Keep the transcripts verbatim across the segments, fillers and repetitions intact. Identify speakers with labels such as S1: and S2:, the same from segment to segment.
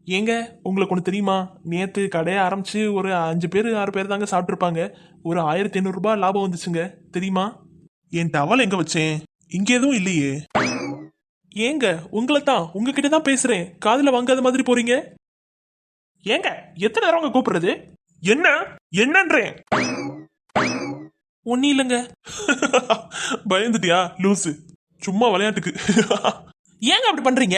S1: ஏங்க உங்களுக்கு ஒன்று தெரியுமா? நேற்று கடையை ஆரம்பிச்சு ஒரு அஞ்சு பேர் ஆறு பேர் தாங்க சாப்பிட்ருப்பாங்க. ஒரு ஆயிரத்தி ஐநூறுரூபா லாபம் வந்துச்சுங்க. தெரியுமா? என் டவல் எங்க வச்சேன்? இங்க எதுவும் இல்லையே. ஏங்க உங்களை தான் உங்ககிட்ட தான் பேசுறேன். காதுல வாங்காத மாதிரி போறீங்க. ஏங்க எத்தனை நேரம் உங்க கூப்பிடுறது? என்ன என்னன்றேன்? ஒன்னும் இல்லைங்க. பயந்துட்டியா லூசு? சும்மா விளையாட்டுக்கு. ஏங்க அப்படி பண்றீங்க?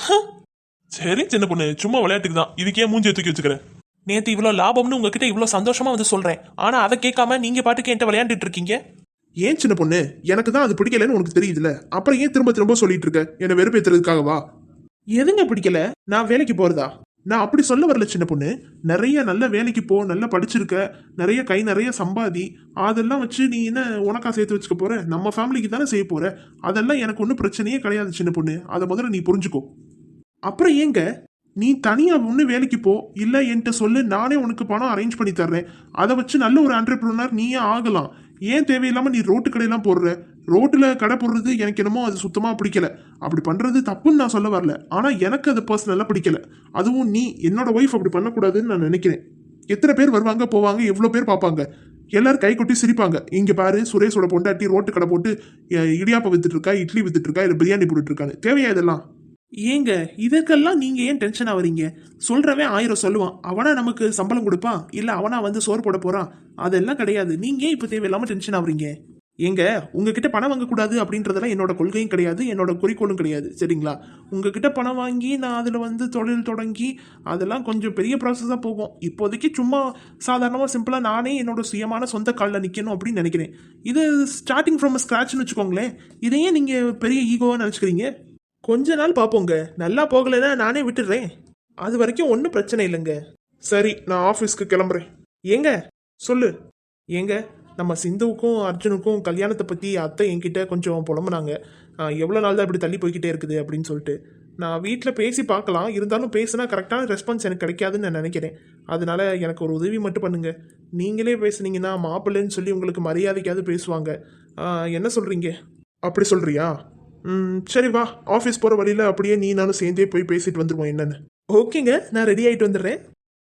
S1: சரி சின்ன பொண்ணு, சும்மா விளையாட்டுக்கு தான். இதுக்கே மூஞ்சி தூக்கி வச்சுக்கிறேன். நேத்து இவ்வளவு லாபம்னு உங்ககிட்ட இவ்வளவு சந்தோஷமா வந்து சொல்றேன். ஆனா அதை கேட்காம நீங்க பாட்டுக்கு என்கிட்ட விளையாண்டுட்டு இருக்கீங்க.
S2: ஏன் சின்ன பொண்ணு, எனக்கு தான் அது பிடிக்கலன்னு உனக்கு தெரியுதுல, அப்புறம் ஏன் திரும்ப திரும்ப சொல்லிட்டு இருக்க? என்ன வெறுப்பேத்துறதுக்காகவா?
S1: எதுங்க பிடிக்கல?
S2: நான் வேலைக்கு போறதா? நான் அப்படி சொல்ல வரல சின்ன பொண்ணு. நிறைய நல்ல வேலைக்கு போ, நல்லா படிச்சிருக்க, நிறைய கை நிறைய சம்பாதி, அதெல்லாம் வச்சு நீ என்ன உனக்கா சேர்த்து வச்சுக்க போற? நம்ம ஃபேமிலிக்கு தானே செய்ய போற. அதெல்லாம் எனக்கு ஒன்றும் பிரச்சனையே கிடையாது சின்ன பொண்ணு. அதை முதல்ல நீ புரிஞ்சுக்கோ. அப்புறம் ஏங்க நீ தனியா ஒன்று வேலைக்கு போ, இல்லை என்கிட்ட சொல்லு, நானே உனக்கு பணம் அரேஞ்ச் பண்ணி தர்றேன். அதை வச்சு நல்ல ஒரு ஆண்டர்பிரினர் நீயே ஆகலாம். ஏன் தேவையில்லாம நீ ரோட்டு கடையெல்லாம் போடுற? ரோட்டுல கடை போடுறது எனக்கு என்னமோ அது சுத்தமா பிடிக்கல. அப்படி பண்றது தப்புன்னு நான் சொல்ல வரல, ஆனா எனக்கு அது பர்சனலா பிடிக்கல. அதுவும் நீ என்னோட ஒய்ஃப் அப்படி பண்ணக்கூடாதுன்னு நான் நினைக்கிறேன். எத்தனை பேர் வருவாங்க போவாங்க, எவ்வளவு பேர் பார்ப்பாங்க, எல்லாரும் கை கொட்டி சிரிப்பாங்க. இங்க பாரு, சுரேஷோட பொண்டாட்டி ரோட்டு கடை போட்டு அஹ், இடியாப்பம் வித்துட்டு இருக்கா, இட்லி வித்துட்டு இருக்கா, இல்லை பிரியாணி போட்டுட்டு இருக்கான்னு. தேவையா இதெல்லாம்?
S1: ஏங்க இதற்கெல்லாம் நீங்க ஏன் டென்ஷன் ஆவறீங்க? சொல்றவன் ஆயிரம் சொல்லுவான். அவனா நமக்கு சம்பளம் கொடுப்பான், இல்ல அவனா வந்து சோறு போட போறான்? அதெல்லாம் கிடையாது. நீங்க ஏன் இப்ப தேவையில்லாம டென்ஷன் ஆவறீங்க? ஏங்க உங்ககிட்ட பணம் வாங்கக்கூடாது அப்படின்றதெல்லாம் என்னோட கொள்கையும் கிடையாது, என்னோட குறிக்கோளும் கிடையாது. சரிங்களா? உங்ககிட்ட பணம் வாங்கி நான் அதில் வந்து தொழில் தொடங்கி அதெல்லாம் கொஞ்சம் பெரிய ப்ராசஸாக போகும். இப்போதைக்கு சும்மா சாதாரணமாக சிம்பிளாக நானே என்னோட சுயமான சொந்த காலில் நிற்கணும் அப்படின்னு நினைக்கிறேன். இது ஸ்டார்டிங் ஃப்ரம் ஸ்க்ராட்ச்னு வச்சுக்கோங்களேன். இதையே நீங்கள் பெரிய ஈகோவாக நினச்சிக்கிறீங்க. கொஞ்ச நாள் பார்ப்போங்க. நல்லா போகலைன்னா நானே விட்டுடுறேன். அது வரைக்கும் ஒன்றும் பிரச்சனை இல்லைங்க.
S2: சரி, நான் ஆஃபீஸ்க்கு கிளம்புறேன்.
S1: ஏங்க
S2: சொல்லு.
S1: ஏங்க நம்ம சிந்துவுக்கும் அர்ஜுனுக்கும் கல்யாணத்தை பற்றி அத்தை என்கிட்ட கொஞ்சம் புலம்புனாங்க. எவ்வளோ நாள் தான் இப்படி தள்ளி போய்கிட்டே இருக்குது அப்படின்னு சொல்லிட்டு. நான் வீட்டில் பேசி பார்க்கலாம், இருந்தாலும் பேசினா கரெக்டான ரெஸ்பான்ஸ் எனக்கு கிடைக்காதுன்னு நான் நினைக்கிறேன். அதனால எனக்கு ஒரு உதவி மட்டும் பண்ணுங்க. நீங்களே பேசுனீங்கன்னா மாப்பிள்ளைன்னு சொல்லி உங்களுக்கு மரியாதைக்காவது பேசுவாங்க. ஆ, என்ன சொல்கிறீங்க?
S2: அப்படி சொல்றியா? ம், சரி வா, ஆஃபீஸ் போகிற வழியில் அப்படியே நீ நானும் சேர்ந்தே போய் பேசிட்டு வந்துடுவோம் என்னன்னு.
S1: ஓகேங்க, நான் ரெடி ஆகிட்டு வந்துடுறேன்.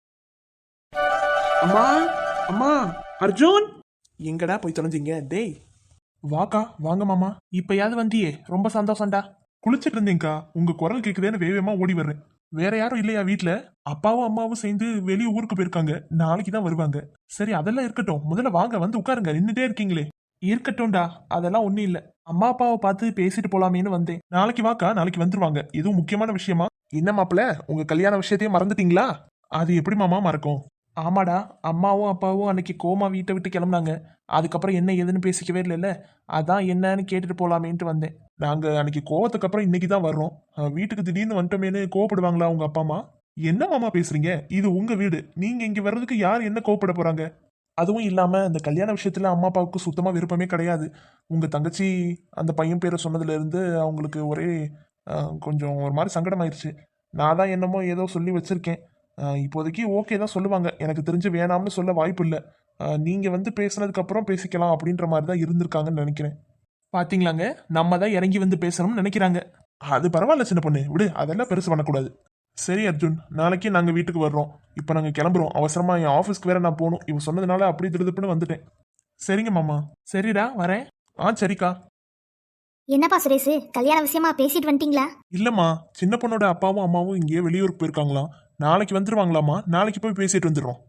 S1: அம்மா அம்மா, அர்ஜுன் எங்கடா போய் தொலைஞ்சிங்க? டேய்
S2: வாக்கா, வாங்க மாமா.
S1: இப்பயாவது வந்தியே, ரொம்ப சந்தோஷம்டா.
S2: குளிச்சிட்டு இருந்தீங்கக்கா, உங்க குரல் கேக்குதேன்னு வேகமா ஓடி வர்றேன். வேற யாரும் இல்லையா வீட்ல? அப்பாவும் அம்மாவும் சேர்ந்து வெளியே ஊருக்கு போயிருக்காங்க, நாளைக்கு தான் வருவாங்க. சரி அதெல்லாம் இருக்கட்டும், முதல்ல வாங்க வந்து உட்காருங்க, நின்றுட்டே இருக்கீங்களே.
S1: இருக்கட்டும்டா, அதெல்லாம் ஒன்றும் இல்லை. அம்மா அப்பாவை பார்த்து பேசிட்டு போலாமேன்னு வந்தேன்.
S2: நாளைக்கு வாக்கா, நாளைக்கு வந்துருவாங்க. எதுவும் முக்கியமான விஷயமா?
S1: என்ன மாப்பிள்ள, உங்க கல்யாண விஷயத்தையும் மறந்துட்டீங்களா?
S2: அது எப்படி மாமா மறக்கும்?
S1: ஆமாடா, அம்மாவும் அப்பாவும் அன்னைக்கு கோமா வீட்டை விட்டு கிளம்புனாங்க. அதுக்கப்புறம் என்ன ஏதுன்னு பேசிக்கவே இல்லைல்ல. அதான் என்னன்னு கேட்டுட்டு போலாமேன்ட்டு வந்தேன்.
S2: நாங்க அன்னைக்கு கோவத்துக்கு அப்புறம் இன்னைக்கு தான் வர்றோம். அஹ், வீட்டுக்கு திடீர்னு வந்துட்டோமேனு கோவப்படுவாங்களா உங்க அப்பா அம்மா? என்ன மாமா பேசுறீங்க? இது உங்க வீடு, நீங்க இங்க வர்றதுக்கு யார் என்ன கோவப்பட போறாங்க?
S1: அதுவும் இல்லாம இந்த கல்யாண விஷயத்துல அம்மா அப்பாவுக்கு சுத்தமா விருப்பமே கிடையாது. உங்க தங்கச்சி அந்த பையன் பேரை சொன்னதுல இருந்து அவங்களுக்கு ஒரே அஹ், கொஞ்சம் ஒரு மாதிரி சங்கடமாயிருச்சு. நான் தான் என்னமோ ஏதோ சொல்லி வச்சிருக்கேன். அஹ், இப்போதைக்கு ஓகே தான் சொல்லுவாங்க. எனக்கு தெரிஞ்சு வேணாம்னு சொல்ல வாய்ப்பு இல்லை. நீங்க வந்து பேசுனதுக்கு அப்புறம் பேசிக்கலாம் அப்படின்ற மாதிரி தான் இருந்திருக்காங்கன்னு நினைக்கிறேன். பாத்தீங்களாங்க, நம்ம தான் இறங்கி வந்து பேசணும்னு நினைக்கிறாங்க.
S2: அது பரவாயில்ல சின்ன பொண்ணு, விடு, அதெல்லாம் பெருசு பண்ணக்கூடாது. சரி அர்ஜுன், நாளைக்கு நாங்க வீட்டுக்கு வர்றோம். இப்போ நாங்க கிளம்புறோம். அவசரமா என் ஆஃபீஸ்க்கு வேற நான் போகணும். இவன் சொன்னதுனால அப்படி திருதுப்புன்னு வந்துட்டேன். சரிங்க மாமா.
S1: சரிடா, வரேன்.
S2: ஆ சரிக்கா.
S3: என்னப்பா சுரேஷ், கல்யாண விஷயமா பேசிட்டு வந்துட்டீங்களா?
S2: இல்லம்மா, சின்ன பொண்ணோட அப்பாவும் அம்மாவும் இங்கேயே வெளியூருக்கு போயிருக்காங்களாம். நாளைக்கு வந்துருவாங்களாமா. நாளைக்கு போய் பேசிட்டு வந்துடுறோம்.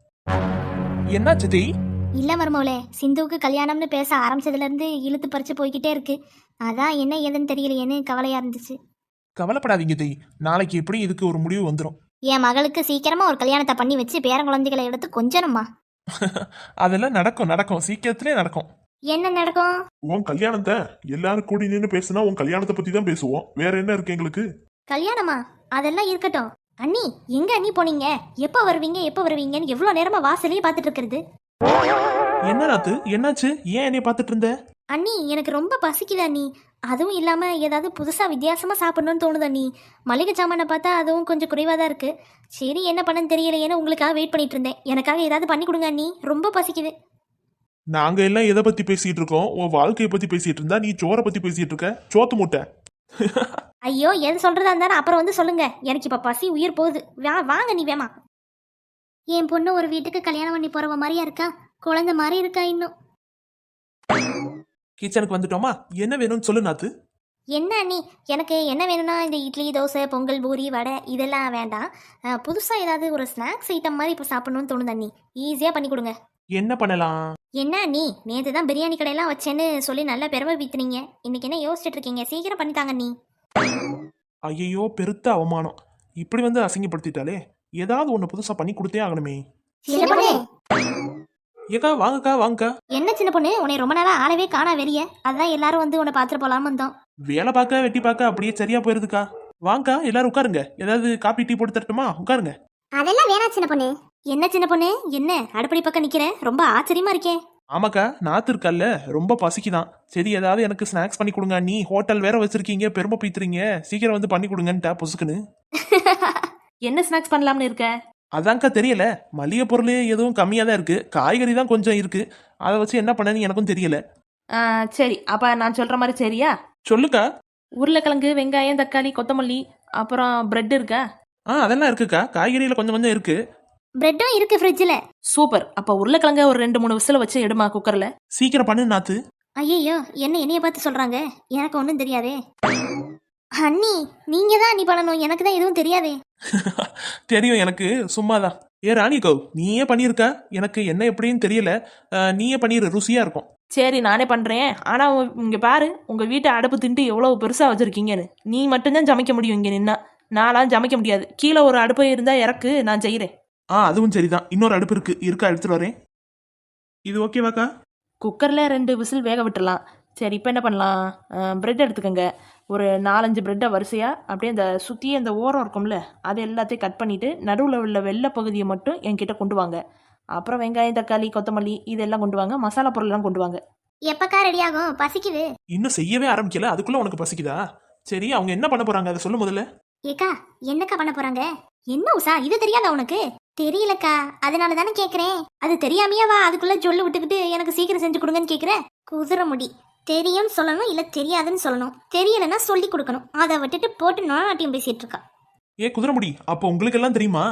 S1: என்ன சித்தி?
S3: இல்ல மருமவளே, சிந்துவுக்கு கல்யாணம்னு பேச ஆரம்பிச்சதுல இருந்து இழுத்து பறிச்சு போய்கிட்டே இருக்கு. அதான் என்ன ஏதுன்னு தெரியலையேன்னு கவலையா இருந்துச்சு.
S1: கவலைப்படாதீங்க தி, நாளைக்கு எப்படி இதுக்கு ஒரு முடிவு வந்துடும்.
S3: என் மகளுக்கு சீக்கிரமா ஒரு கல்யாணத்தை பண்ணி வச்சு பேரங்குழந்தைகளை எடுத்து கொஞ்சணுமா.
S1: அதெல்லாம் நடக்கும் நடக்கும், சீக்கிரத்திலே நடக்கும்.
S3: என்ன நடக்கும்?
S2: உன் கல்யாணத்தை எல்லாரும் கூடி நின்று பேசுனா உன் கல்யாணத்தை பத்தி தான் பேசுவோம். வேற என்ன இருக்கு எங்களுக்கு?
S3: கல்யாணமா? அதெல்லாம் இருக்கட்டும். அண்ணி, எங்க அண்ணி போனீங்க? எப்ப வருவீங்க எப்ப வருவீங்கன்னு எவ்வளவு நேரமா வாசலையே பார்த்துட்டு இருக்கிறது.
S1: என்ன ராத்து, என்னாச்சு? ஏன் என்னைய பார்த்துட்டு இருந்த?
S3: அண்ணி, எனக்கு ரொம்ப பசிக்குது அண்ணி. அதுவும் இல்லாம ஏதாவது புதுசா வித்தியாசமா சாப்பிடணும்னு தோணுது அண்ணி. மளிகை சாமானை பார்த்தா அதுவும் கொஞ்சம் குறைவா தான் இருக்கு. சரி என்ன பண்ணன்னு தெரியலையேன்னு உங்களுக்காக வெயிட் பண்ணிட்டு இருந்தேன். எனக்காக ஏதாவது பண்ணி கொடுங்க அண்ணி, ரொம்ப பசிக்குது.
S2: நாங்க எல்லாம் எதை பத்தி பேசிட்டு இருக்கோம்? உன் வாழ்க்கையை பத்தி பேசிட்டு இருந்தா நீ சோரை பத்தி பேசிட்டு இருக்க. சோத்து மூட்டை.
S3: ஐயோ எது சொல்றதா இருந்தாலும் அப்புறம் வந்து சொல்லுங்க. எனக்கு இப்ப பசி உயிர் போகுது. வா வாங்க நீ வேமா. என் பொண்ணு ஒரு வீட்டுக்கு கல்யாணம் பண்ணி போறவ மாதிரியா இருக்கா, குழந்தை மாதிரி இருக்கா இன்னும்.
S1: கிச்சனுக்கு வந்துட்டோமா? என்ன வேணும்னு சொல்லு நாத்து.
S3: என்ன நீ எனக்கு என்ன வேணும்னா இந்த இட்லி தோசை பொங்கல் பூரி வடை இதெல்லாம் வேண்டாம். அஹ், புதுசா ஏதாவது ஒரு ஸ்நாக்ஸ் ஐட்டம் மாதிரி இப்போ சாப்பிடணும்னு தோணுதா நீ? ஈஸியா பண்ணி கொடுங்க.
S1: என்ன பண்ணலாம்?
S3: என்ன நீ நேற்று தான் பிரியாணி கடையெல்லாம் வச்சேன்னு சொல்லி நல்லா பெருமை பீத்துனீங்க. இன்னைக்கு என்ன யோசிச்சுட்டு இருக்கீங்க? சீக்கிரம் பண்ணித்தாங்க நீ.
S1: ஐயோ, பெருத்த அவமானம். இப்படி வந்து அசிங்கப்படுத்திட்டாலே. ஏதாவது ஒன்று புதுசா பண்ணி கொடுத்தே ஆகணுமே.
S3: சின்ன பொண்ணு
S1: ஏக்கா வாங்கக்கா வாங்கக்கா.
S3: என்ன சின்ன பொண்ணு உன்னை ரொம்ப நாளா ஆளவே காணா வெளியே, அதான் எல்லாரும் வந்து உன்னை பார்த்துட்டு போலாம வந்தோம்.
S1: வேலை பார்க்க வெட்டி பார்க்க அப்படியே சரியா போயிருதுக்கா. வாங்கக்கா எல்லாரும் உட்காருங்க. ஏதாவது காப்பி டீ போட்டு தரட்டுமா? உட்காருங்க.
S3: அதெல்லாம் வேணா சின்ன பொண்ணு. என்ன சின்ன பொண்ணு என்ன அடுப்படி பக்கம் நிக்கிறேன், ரொம்ப ஆச்சரியமா இருக்கேன்.
S1: ஆமாக்கா, நாத்து இருக்கல்ல, ரொம்ப பசிக்குதான். சரி ஏதாவது எனக்கு ஸ்நாக்ஸ் பண்ணி கொடுங்க. நீ ஹோட்டல் வேற வச்சிருக்கீங்க, பெருமை பீத்துறீங்க. சீக்கிரம் வந்து பண்ணி கொடுங்கன்ட்டா பொசுக்குன்னு.
S4: என்ன ஸ்நாக்ஸ் பண்ணலாம்னு இருக்க?
S1: அதான்க்கா தெரியல. மளிகை பொருள் எதுவும் கம்மியாக தான் இருக்கு, காய்கறி தான் கொஞ்சம் இருக்கு. அதை வச்சு என்ன பண்ணன்னு எனக்கும் தெரியல.
S4: ஆ, சரி அப்ப நான் சொல்ற மாதிரி சரியா?
S1: சொல்லுக்கா.
S4: உருளைக்கிழங்கு, வெங்காயம், தக்காளி, கொத்தமல்லி, அப்புறம் பிரெட் இருக்கா?
S1: ஆ அதெல்லாம் இருக்குக்கா, காய்கறியில கொஞ்சம் கொஞ்சம் இருக்கு.
S3: பிரெட்டும் இருக்கு ஃப்ரிட்ஜில்.
S4: சூப்பர். அப்ப உருளைக்கிழங்க ஒரு ரெண்டு மூணு விசில வச்சு எடுமா குக்கர்ல.
S1: சீக்கிரம் பண்ணு நாத்து.
S3: ஐயோ என்ன என்னைய பார்த்து சொல்றாங்க, எனக்கு ஒன்றும் தெரியாதே. அண்ணி நீங்க தான் நீ பண்ணணும், எனக்கு தான் எதுவும் தெரியாதே.
S1: தெரியும் எனக்கு, சும்மாதான். ஏ ராணிகோ, நீயே பண்ணியிருக்கா. எனக்கு என்ன எப்படின்னு தெரியல. அஹ், நீயே பண்ணிரு, ருசியா இருக்கும்.
S4: சரி நானே பண்றேன். ஆனா உ- இங்க பாரு, உங்க வீட்டை அடுப்பு திண்டு எவ்வளவு பெருசா வச்சிருக்கீங்கன்னு. நீ மட்டும்தான் சமைக்க முடியும் இங்க நின்னா. நான்லாம் சமைக்க முடியாது. கீழே ஒரு அடுப்பு இருந்தா இறக்கு, நான் செய்யறேன்.
S1: ஆ அதுவும் சரிதான். இன்னொரு அடுப்பு இருக்கு, இருக்கா எடுத்துட்டு வரேன். இது ஓகேவாக்கா?
S4: குக்கர்ல ரெண்டு விசில் வேக விட்டுறலாம். சரி இப்போ என்ன பண்ணலாம்? பிரெட் எடுத்துக்கோங்க. ஒரு நாலஞ்சு பிரெட்டை வரிசையாக அப்படியே அந்த சுற்றி அந்த ஓரம் இருக்கும்ல, அது எல்லாத்தையும் கட் பண்ணிவிட்டு நடுவில் உள்ள வெள்ளை பகுதியை மட்டும் என்கிட்ட கொண்டு வாங்க. அப்புறம் வெங்காயம், தக்காளி, கொத்தமல்லி இதெல்லாம் கொண்டு வாங்க. மசாலா பொருள்லாம் கொண்டு வாங்க.
S3: எப்பக்கா ரெடி ஆகும்? பசிக்குது.
S1: இன்னும் செய்யவே ஆரம்பிக்கல, அதுக்குள்ள உனக்கு பசிக்குதா? சரி அவங்க என்ன பண்ண போறாங்க அதை சொல்லு முதல்ல.
S3: ஏக்கா என்னக்கா பண்ண போறாங்க? என்ன உஷா இது தெரியாதா உனக்கு? தெரியலக்கா, அதனால தானே கேக்குறேன். அது தெரியாமையா வா அதுக்குள்ள ஜொல்லு விட்டுக்கிட்டு எனக்கு சீக்கிரம் செஞ்சு கொடுங்கன்னு கேக்குற? குதிரை முடி. தெரியும்னு சொல்லணும் இல்ல தெரியாதுன்னு சொல்லணும். தெரியலன்னா சொல்லி கொடுக்கணும். அதை விட்டுட்டு போட்டு நாட்டியம் பேசிட்டு இருக்கா.
S1: ஏ குதிரைமுடி, அப்போ உங்களுக்கு எல்லாம் தெரியுமா?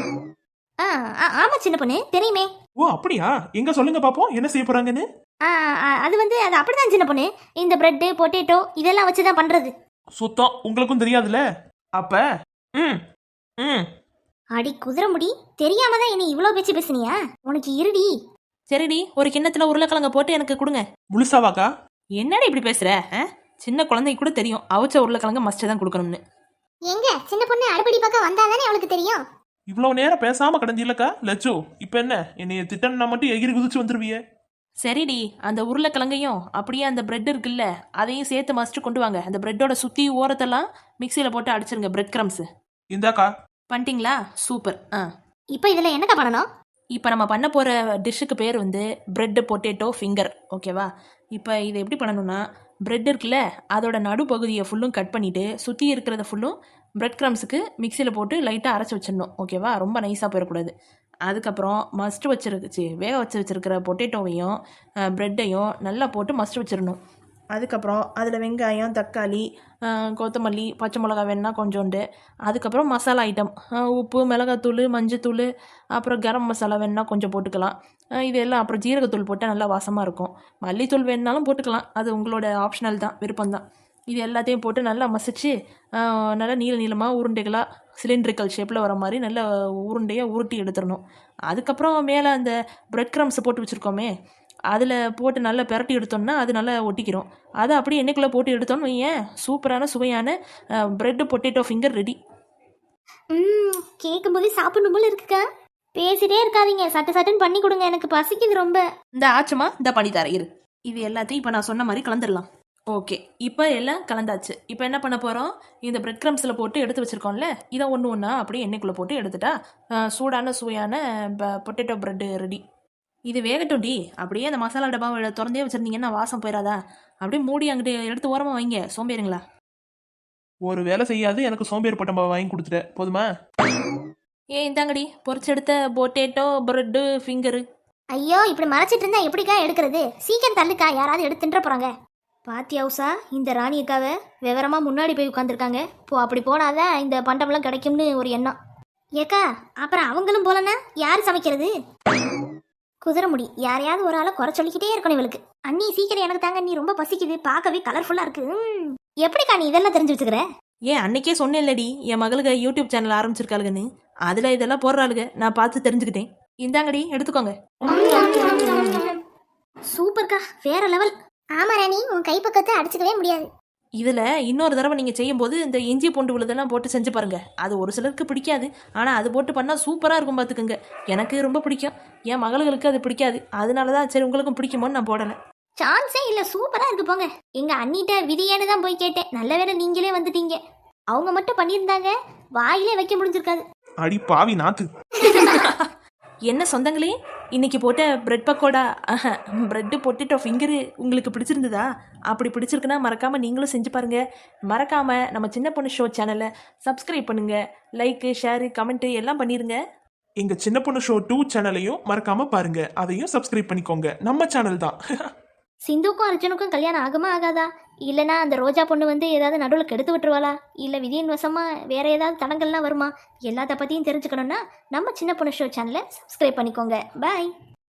S3: ஆ ஆ, ஆமா சின்ன பொண்ணு தெரியுமே.
S1: ஓ அப்படியா? எங்க சொல்லுங்க பாப்போம், என்ன செய்ய போறாங்கன்னு.
S3: ஆ ஆ, அது வந்து அது அப்படிதான் சின்ன பொண்ணு. இந்த பிரெட் பொட்டேட்டோ இதெல்லாம் வச்சுதான் பண்றது.
S1: சுத்தம் உங்களுக்கும் தெரியாதுல்ல. அப்ப ம் ம்
S3: அடி குதிரை முடி, தெரியாம தான் என்ன இவ்வளோ பேச்சு பேசுனியா? உனக்கு இருடி.
S4: சரிடி, ஒரு கிண்ணத்தில் உருளைக்கிழங்க போட்டு எனக்கு கொடுங்க.
S1: முழுசாவாக்கா?
S4: என்னடி இப்படி பேசுற? ஆ? சின்ன குழந்தைக்கு கூட தெரியும் அவிச்ச உருளைக்கிழங்க மஸ்ட் தான் கொடுக்கணும்னு.
S3: எங்க சின்ன பொண்ணு அடுப்படி பக்கம் வந்தாதானே அவளுக்கு தெரியும்.
S1: இவ்வளவு நேரம் பேசாம கடந்தில்லக்கா லட்சு. இப்ப என்ன என்னைய திட்டம்னா மட்டும் எகிரி குதிச்சு வந்துருவிய?
S4: சரிடி, அந்த உருளைக்கிழங்கையும் அப்படியே அந்த பிரெட் இருக்குல்ல அதையும் சேர்த்து மஸ்ட் கொண்டு வாங்க. அந்த பிரெட்டோட சுற்றி ஓரத்தெல்லாம் மிக்சியில் போட்டு அடிச்சிருங்க. Bread crumbs
S1: இந்தாக்கா.
S4: பண்ணிட்டீங்களா? சூப்பர். ஆ
S3: இப்போ இதில் என்னக்கா பண்ணணும்?
S4: இப்போ நம்ம பண்ண போகிற டிஷ்ஷுக்கு பேர் வந்து பிரெட் பொட்டேட்டோ ஃபிங்கர். ஓகேவா? இப்போ இதை எப்படி பண்ணணும்னா, பிரெட் இருக்குல்ல அதோட நடுப்பகுதியை ஃபுல்லும் கட் பண்ணிவிட்டு சுற்றி இருக்கிறத ஃபுல்லும் பிரெட் க்ரம்ஸுக்கு மிக்சியில் போட்டு லைட்டாக அரைச்சி வச்சிடணும். ஓகேவா? ரொம்ப நைஸாக போயிடக்கூடாது. அதுக்கப்புறம் மஸ்ட் வச்சிருச்சு வேக வச்சு வச்சுருக்கிற பொட்டேட்டோவையும் ப்ரெட்டையும் நல்லா போட்டு மஸ்ட் வச்சிடணும். அதுக்கப்புறம் அதில் வெங்காயம், தக்காளி, கொத்தமல்லி, பச்சை மிளகா வேணுன்னா கொஞ்சோண்டு. அதுக்கப்புறம் மசாலா ஐட்டம், உப்பு, மிளகாத்தூள், மஞ்சத்தூள், அப்புறம் கரம் மசாலா வேணுன்னா கொஞ்சம் போட்டுக்கலாம். இது எல்லாம் அப்புறம் ஜீரகத்தூள் போட்டால் நல்லா வாசமாக இருக்கும். மல்லித்தூள் வேணுனாலும் போட்டுக்கலாம், அது உங்களோட ஆப்ஷனல் தான், விருப்பம்தான். இது எல்லாத்தையும் போட்டு நல்லா மசிச்சு நல்லா நீள நீளமாக உருண்டைகளாக சிலிண்ட்ரிக்கல் ஷேப்பில் வர மாதிரி நல்ல உருண்டையாக உருட்டி எடுத்துடணும். அதுக்கப்புறம் மேலே அந்த பிரெட் க்ரம்ஸ் போட்டு வச்சுருக்கோமே அதில் போட்டு நல்லா பிரட்டி எடுத்தோம்னா அது நல்லா ஒட்டிக்கிறோம். அதை அப்படியே எண்ணெய்க்குள்ளே போட்டு எடுத்தோன்னு வையேன், சூப்பரான சுவையான பிரெட் பொட்டேட்டோ ஃபிங்கர் ரெடி.
S3: ம் கேட்கும்போது சாப்பிடணும் போல இருக்குக்கா. பேசிட்டே இருக்காதீங்க, சட்டு சட்டுன்னு பண்ணி கொடுங்க, எனக்கு பசிக்குது ரொம்ப.
S4: இந்த ஆச்சமா இந்த பண்ணி தரேன் இரு. இது எல்லாத்தையும் இப்போ நான் சொன்ன மாதிரி கலந்துடலாம். ஓகே, இப்போ எல்லாம் கலந்தாச்சு. இப்போ என்ன பண்ண போகிறோம்? இந்த பிரெட் க்ரம்ஸில் போட்டு எடுத்து வச்சுருக்கோம்ல, இதை ஒன்று ஒன்றா அப்படியே எண்ணெய்க்குள்ளே போட்டு எடுத்துட்டா சூடான சுவையான பொட்டேட்டோ பிரெட்டு ரெடி. இது வேகட்டும் டி. அப்படியே அந்த மசாலா டப்பாவை திறந்தே வச்சுருந்தீங்கன்னா வாசம் போயிடாதா? அப்படியே மூடி அங்கிட்டு எடுத்து ஓரமாக வைங்க, சோம்பேறிங்களா.
S1: ஒரு வேலை செய்யாது எனக்கு சோம்பேறி பட்டம் வாங்கி கொடுத்துட்ட போதுமா?
S4: ஏ இந்தாங்கடி பொரிச்செடுத்த பொட்டேட்டோ பிரெட்டு ஃபிங்கரு.
S3: ஐயோ இப்படி மறைச்சிட்டு இருந்தா எப்படிக்கா எடுக்கிறது? சீக்கிரம் தள்ளுக்கா, யாராவது எடுத்து தின்ற போறாங்க. பாத்தியா உஷா, இந்த ராணி அக்காவை விவரமா முன்னாடி போய் உட்காந்துருக்காங்க. போ, அப்படி போனாதான் இந்த பண்டம்லாம் கிடைக்கும்னு ஒரு எண்ணம். ஏக்கா, அப்புறம் அவங்களும் போலன்னா யார் சமைக்கிறது? குதிரை முடி, யாரையாவது ஒரு ஆளை குறை சொல்லிக்கிட்டே இருக்கணும் இவளுக்கு. அண்ணி சீக்கிரம் எனக்கு தாங்க, நீ ரொம்ப பசிக்குது, பார்க்கவே கலர்ஃபுல்லா இருக்கு. ம். எப்படிக்கா நீ இதெல்லாம் தெரிஞ்சு வச்சுக்கிற?
S4: ஏன் அன்னைக்கே சொன்னேன் இல்லடி என் மகளுக்கு யூடியூப் சேனல் ஆரம்பிச்சிருக்காளுங்கன்னு. அதில் இதெல்லாம் போடுறாளுங்க, நான் பார்த்து தெரிஞ்சுக்கிட்டேன். இந்தாங்கடி எடுத்துக்கோங்க.
S3: சூப்பர்க்கா, வேற லெவல். ஆமா ராணி, உன் கைப்பக்கத்தை அடிச்சுக்கவே முடியாது.
S4: இதில் இன்னொரு தடவை நீங்கள் செய்யும்போது இந்த இஞ்சி பூண்டு விழுதெல்லாம் போட்டு செஞ்சு பாருங்கள். அது ஒரு சிலருக்கு பிடிக்காது, ஆனால் அது போட்டு பண்ணால் சூப்பராக இருக்கும் பார்த்துக்குங்க. எனக்கு ரொம்ப பிடிக்கும், என் மகளுக்கு அது பிடிக்காது. அதனால தான் சரி உங்களுக்கும் பிடிக்குமோன்னு நான் போடலை.
S3: சான்ஸே இல்ல, சூப்பரா இருக்கு போங்க. எங்க அண்ணிட்ட விதியேன்னு தான் போய் கேட்டேன். நல்ல வேளை நீங்களே வந்துட்டீங்க. அவங்க மட்டும் பண்ணியிருந்தாங்க, வாயிலே வைக்க முடிஞ்சிருக்காது.
S1: அடி பாவி நாத்து.
S4: என்ன சொந்தங்களே, இன்னைக்கு போட்ட bread pakoda bread potato finger உங்களுக்கு பிடிச்சிருந்ததா? அப்படி பிடிச்சிருக்குன்னா மறக்காமல் நீங்களும் செஞ்சு பாருங்கள். மறக்காமல் நம்ம சின்ன பொண்ணு ஷோ சேனலை சப்ஸ்கிரைப் பண்ணுங்கள். லைக்கு, ஷேரு, கமெண்ட்டு எல்லாம் பண்ணிடுங்க.
S1: எங்க சின்ன பொண்ணு ஷோ டூ சேனலையும் மறக்காம பாருங்க, அதையும் சப்ஸ்கிரைப் பண்ணிக்கோங்க. நம்ம சேனல் தான்.
S3: சிந்துக்கும் அர்ஜுனுக்கும் கல்யாணம் ஆகுமா ஆகாதா? இல்லைனா அந்த ரோஜா பொண்ணு வந்து ஏதாவது நடுவில் கெடுத்து விட்டுருவாளா? இல்லை விதியின் வசமா வேற ஏதாவது தடங்கள்லாம் வருமா? எல்லாத்த பற்றியும் தெரிஞ்சுக்கணும்னா நம்ம சின்ன பொண்ணு ஷோ சேனலை சப்ஸ்கிரைப் பண்ணிக்கோங்க. பாய்.